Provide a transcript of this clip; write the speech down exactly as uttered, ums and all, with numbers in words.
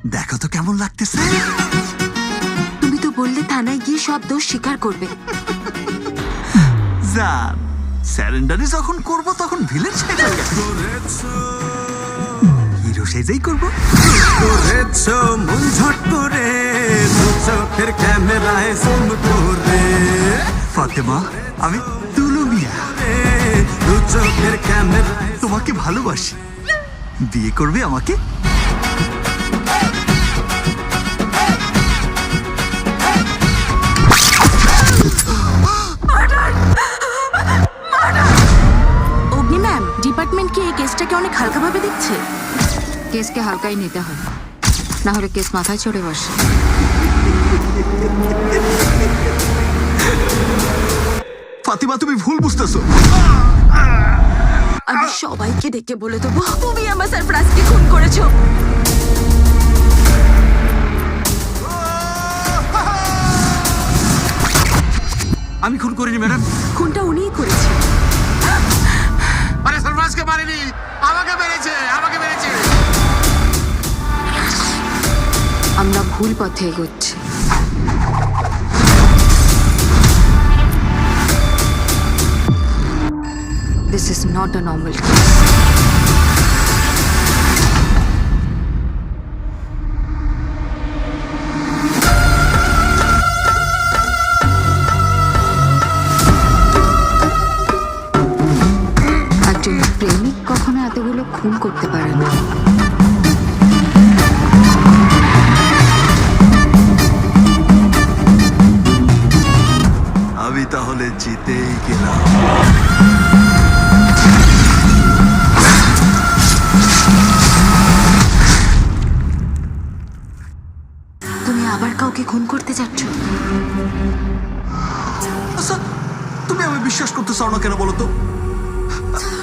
দেখো তো কেমন লাগতেছে। তুমি তো বললে থানায় গিয়ে সব দোষ স্বীকার করবে। জান, স্যারেন্ডারি যখন করব তখন ভিলেন সেজে হিরো সেজেই করব। করেছো মন ঝট করে, দু চোখের ক্যামেরায় জুম করে। ফাতেমা, আমি তুলু মিয়া, দু চোখের ক্যামেরায় তোমাকে ভালোবাসি। বিয়ে করবে আমাকে? অগ্নি ম্যাম, ডিপার্টমেন্ট কি এই কেসটাকে অনেক হালকাভাবে দেখছে? কেসকে হালকাই নিতে হয়, না হলে কেস মাথায় চড়ে বসে। ফাতিমা, তুমি ভুল বুঝতেছো। আমি সবাইকে ডেকে বলে দেবো তুমি আমার সারফরাজকে খুন করেছো। আমি খুন করিনি ম্যাডাম। খুনটা উনিই করেছে। আরে সরফরাজকে মারেনি, আমাকে মেরেছে, আমাকে মেরেছে। আমরা ভুল পথে এগোচ্ছি। This is not a normal case. একজন প্রেমিক কখনো এতগুলো খুন করতে পারে না। আমি তাহলে জিতেই গেলাম। তুমি আবার কাউকে খুন করতে যাচ্ছ? আচ্ছা, তুমি আমি বিশ্বাস করতে চাও না কেন বলো তো?